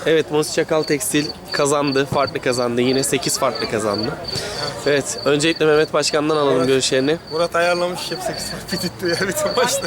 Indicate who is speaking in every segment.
Speaker 1: Evet, Mosi Çakal Tekstil kazandı. Farklı kazandı. Yine 8 farklı kazandı. Evet. Öncelikle Mehmet Başkan'dan alalım görüşlerini.
Speaker 2: Murat ayarlamış hep 8 fark tutuyor ya bütün maçta.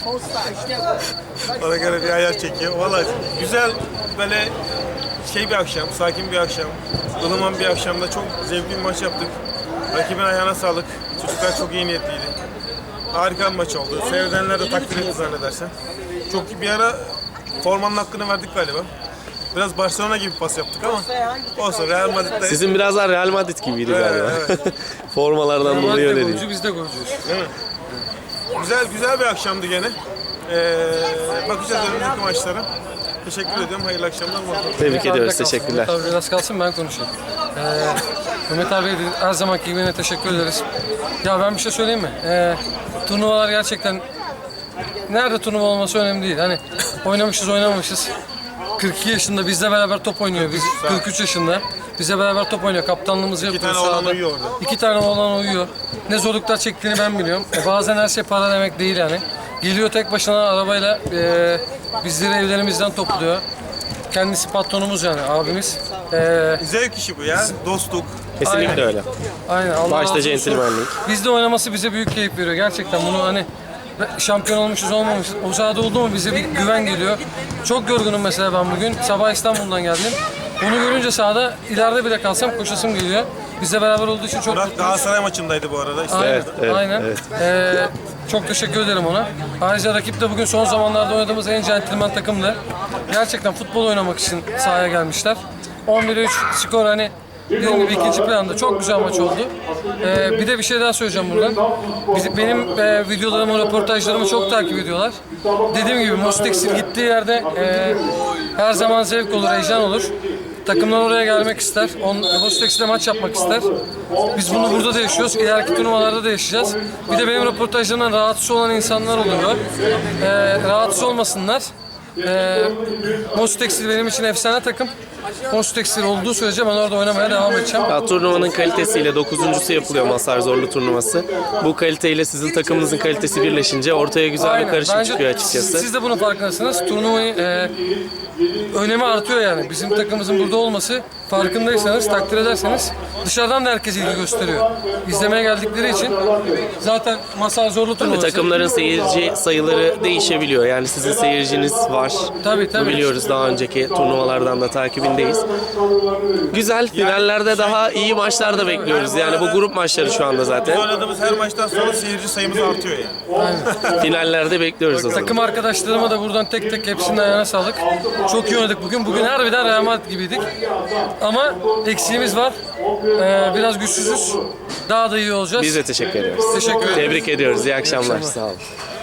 Speaker 2: Ona göre bir ayar çekiyor. Valla güzel böyle bir akşam, sakin bir akşam, ılıman bir akşamda çok zevkli bir maç yaptık. Rakibin ayağına sağlık. Çocuklar çok iyi niyetliydi. Harika bir maç oldu. Seyredenler de takdir etti zannedersen. Çok bir ara formanın hakkını verdik galiba. Biraz Barcelona gibi pas yaptık ama olsun, Real Madrid'de...
Speaker 1: Sizin biraz daha Real Madrid gibiydi galiba.
Speaker 2: Evet.
Speaker 1: Formalardan dolayı öyle değil.
Speaker 3: Golcü, biz de golcüyüz.
Speaker 2: Değil mi? Güzel bir akşamdı gene. Bakacağız önümüzdeki maçlara. Teşekkür ediyorum. Hayırlı akşamlar.
Speaker 1: Tebrik ediyoruz. Teşekkürler.
Speaker 3: Mehmet abi biraz kalsın, ben konuşayım. Mehmet abi her zamanki gibi yine teşekkür ederiz. Ya ben bir şey söyleyeyim mi? Turnuvalar gerçekten nerede turnuva olması önemli değil. Hani oynamışız oynamamışız. 42 yaşında bizle beraber top oynuyor. Biz 43 yaşında. Bizle beraber top oynuyor. Kaptanlığımızı yapıyor.
Speaker 2: 2 tane oğlan uyuyor orada.
Speaker 3: 2 tane oğlan uyuyor. Ne zorluklar çektiğini ben biliyorum. Bazen her şey para demek değil yani. Geliyor tek başına arabayla bizleri evlerimizden topluyor. Kendisi patronumuz yani, abimiz.
Speaker 2: Zevk işi bu ya. Dostluk.
Speaker 1: Kesinlikle
Speaker 3: Aynen.
Speaker 1: öyle.
Speaker 3: Aynen. Allah
Speaker 1: Başta
Speaker 3: razı olsun.
Speaker 1: centilmenlik.
Speaker 3: Bizde oynaması bize büyük keyif veriyor. Gerçekten bunu hani şampiyon olmuşuz olmamışız. O sahada oldu mu bize bir güven geliyor. Çok yorgunum mesela ben bugün. Sabah İstanbul'dan geldim. Onu görünce sahada ileride bile kalsam koşasım geliyor. Bizle beraber olduğu için çok
Speaker 2: Murat
Speaker 3: mutluyuz.
Speaker 2: Galatasaray maçındaydı bu arada.
Speaker 3: Aynen,
Speaker 1: Evet,
Speaker 3: aynen.
Speaker 1: evet.
Speaker 3: Çok teşekkür ederim ona. Ayrıca rakip de bugün son zamanlarda oynadığımız en centilmen takımdı. Gerçekten futbol oynamak için sahaya gelmişler. 11'e 3 skor hani dediğim gibi ikinci planda çok güzel maç oldu. Bir de bir şey daha söyleyeceğim buradan. Benim videolarımı, röportajlarımı çok takip ediyorlar. Dediğim gibi Mostex'in gittiği yerde her zaman zevk olur, heyecan olur. Takımlar oraya gelmek ister. Mostex'le maç yapmak ister. Biz bunu burada da yaşıyoruz. İleriki turnuvalarda da yaşayacağız. Bir de benim röportajlarımdan rahatsız olan insanlar oluyor. Rahatsız olmasınlar. Mostex'il benim için efsane takım. Mostex'il olduğu sürece ben orada oynamaya devam edeceğim.
Speaker 1: Ya, turnuvanın kalitesiyle 9.'sü yapılıyor Mazhar Zorlu turnuvası. Bu kaliteyle sizin takımınızın kalitesi birleşince ortaya güzel bir karışım
Speaker 3: Bence
Speaker 1: çıkıyor açıkçası.
Speaker 3: siz de bunun farkındasınız. Turnuvayı önemi artıyor yani. Bizim takımımızın burada olması, farkındaysanız, takdir ederseniz dışarıdan da herkes ilgi gösteriyor. İzlemeye geldikleri için zaten Mazhar Zorlu
Speaker 1: Tabii
Speaker 3: turnuvası.
Speaker 1: takımların seyirci sayıları değişebiliyor. Yani sizin seyirciniz var.
Speaker 3: Tabii.
Speaker 1: Biliyoruz, daha önceki turnuvalardan da takibindeyiz. Güzel, finallerde daha iyi maçlar da bekliyoruz. Yani bu grup maçları şu anda
Speaker 2: Biz
Speaker 1: zaten.
Speaker 2: oynadığımız her maçtan sonra seyirci sayımız artıyor yani.
Speaker 1: Finallerde bekliyoruz o zaman.
Speaker 3: Takım arkadaşlarıma da buradan tek tek hepsinin ayağına sağlık. Çok iyi oynadık bugün. Bugün harbiden Real Madrid gibiydik. Ama eksiğimiz var. Biraz güçsüzüz. Daha da iyi olacağız.
Speaker 1: Biz de teşekkür ediyoruz.
Speaker 3: Teşekkür ederim.
Speaker 1: Tebrik ediyoruz. İyi akşamlar. Sağ olun.